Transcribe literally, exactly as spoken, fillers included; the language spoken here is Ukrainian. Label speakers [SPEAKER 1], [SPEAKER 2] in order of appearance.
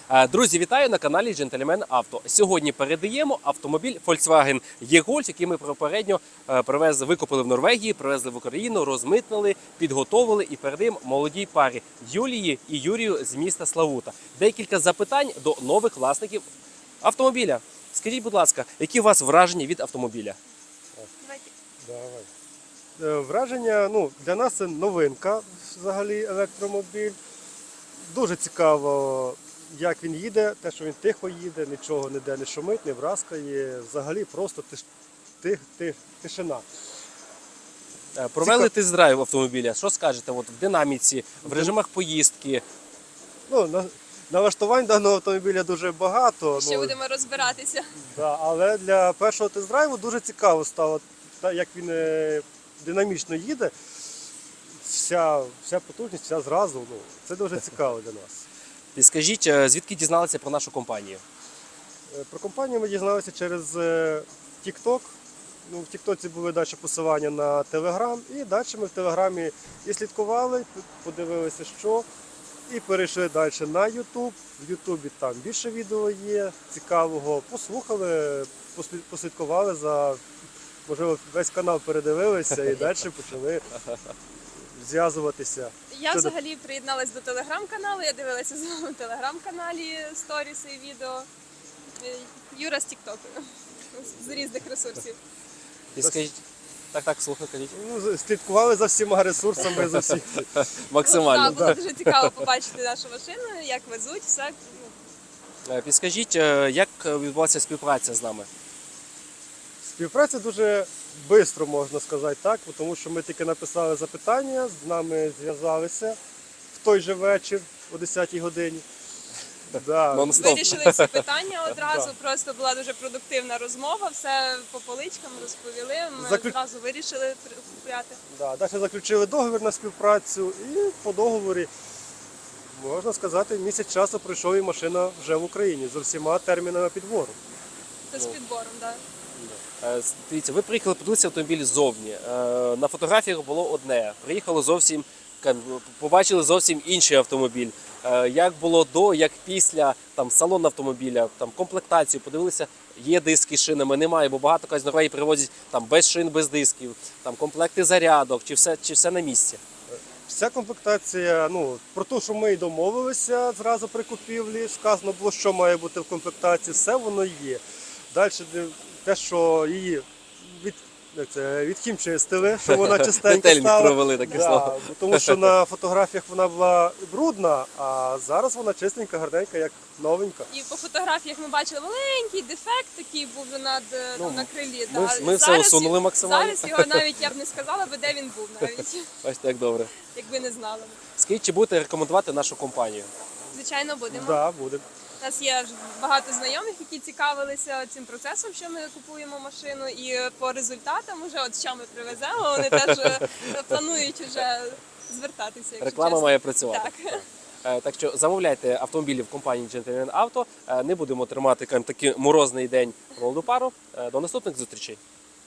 [SPEAKER 1] Друзі, вітаю на каналі Джентльмен Авто. Сьогодні передаємо автомобіль Volkswagen E-Golf, який ми попередньо привезли, викупили в Норвегії, привезли в Україну, розмитнили, підготовили і передаємо молодій парі Юлії і Юрію з міста Славута. Декілька запитань до нових власників автомобіля. Скажіть, будь ласка, які у вас враження від автомобіля?
[SPEAKER 2] Давай. Враження, ну, для нас це новинка, взагалі, електромобіль. Дуже цікаво, як він їде, те, що він тихо їде, нічого ніде не шумить, не вразкає, взагалі просто тиш, тих, тих, тишина.
[SPEAKER 1] Провели
[SPEAKER 2] Цікав...
[SPEAKER 1] тест-драйв автомобіля. Що скажете от, в динаміці, в режимах поїздки?
[SPEAKER 2] Ну, на... Налаштувань даного автомобіля дуже багато.
[SPEAKER 3] Ще
[SPEAKER 2] ну,
[SPEAKER 3] будемо розбиратися.
[SPEAKER 2] Да, але для першого тест-драйву дуже цікаво стало, як він е, динамічно їде. Вся, вся потужність, вся зразу. Ну, це дуже цікаво для нас.
[SPEAKER 1] Підскажіть, звідки дізналися про нашу компанію?
[SPEAKER 2] Про компанію ми дізналися через TikTok. Ну, в Тіктоці були далі посилання на Телеграм, і далі ми в Телеграмі і слідкували, подивилися, що, і перейшли далі на Ютуб. В Ютубі там більше відео є цікавого, послухали, послідкували за, можливо, весь канал передивилися і далі почали зв'язуватися.
[SPEAKER 3] Я
[SPEAKER 2] Щодо...
[SPEAKER 3] взагалі приєдналась до телеграм-каналу, я дивилася з вами в телеграм-каналі сторіси і відео. Юра з Тіктоку, з різних ресурсів.
[SPEAKER 1] Підскажіть, так, так, слухай, кажіть.
[SPEAKER 2] Ну, слідкували за всіма ресурсами, за всіх.
[SPEAKER 1] Максимально.
[SPEAKER 3] Ну, так, було дуже цікаво побачити нашу машину, як везуть, все.
[SPEAKER 1] Підскажіть, як відбулася співпраця з нами?
[SPEAKER 2] Співпраця дуже швидко, можна сказати так, тому що ми тільки написали запитання, з нами зв'язалися в той же вечір о десятій годині. Да.
[SPEAKER 3] Вирішили всі питання одразу, да. Просто була дуже продуктивна розмова, все по поличкам розповіли, ми Заклю... одразу вирішили купляти.
[SPEAKER 2] Да, далі заключили договір на співпрацю і по договорі, можна сказати, місяць часу пройшов і машина вже в Україні з усіма термінами підбору.
[SPEAKER 3] Це з підбором, так. Да.
[SPEAKER 1] Дивіться, ви приїхали подивитися автомобіль ззовні. На фотографіях було одне, приїхало зовсім, побачили зовсім інший автомобіль. Як було до, як після, там салон автомобіля, там комплектацію, подивилися, є диски з шинами, немає, бо багато з Норвегії привозять там без шин, без дисків, там комплекти зарядок, чи все, чи все на місці?
[SPEAKER 2] Вся комплектація, ну, про те, що ми і домовилися зразу при купівлі, сказано було, що має бути в комплектації, все воно є. Далі те, що її від, це, відхімчистили, що вона чистенька стала.
[SPEAKER 1] Провели таке
[SPEAKER 2] да,
[SPEAKER 1] слово.
[SPEAKER 2] Тому що на фотографіях вона була брудна, а зараз вона чистенька, гарненька, як новенька.
[SPEAKER 3] І по фотографіях ми бачили маленький дефект, такий був над, ну, на крилі.
[SPEAKER 1] Ми,
[SPEAKER 3] да.
[SPEAKER 1] ми все усунули максимально.
[SPEAKER 3] Зараз його навіть я б не сказала, би, де він був навіть.
[SPEAKER 1] Бачите, як добре.
[SPEAKER 3] Якби не знали.
[SPEAKER 1] Скажіть, чи будете рекомендувати нашу компанію?
[SPEAKER 3] Звичайно, будемо.
[SPEAKER 2] Да, будемо.
[SPEAKER 3] У нас є багато знайомих, які цікавилися цим процесом, що ми купуємо машину, і по результатам, уже от що ми привеземо, вони теж планують вже звертатися.
[SPEAKER 1] Реклама
[SPEAKER 3] чесно.
[SPEAKER 1] має працювати.
[SPEAKER 3] Так.
[SPEAKER 1] Так що замовляйте автомобілі в компанії Джентльмен Авто. Не будемо тримати такий морозний день молоду пару. До наступних зустрічей.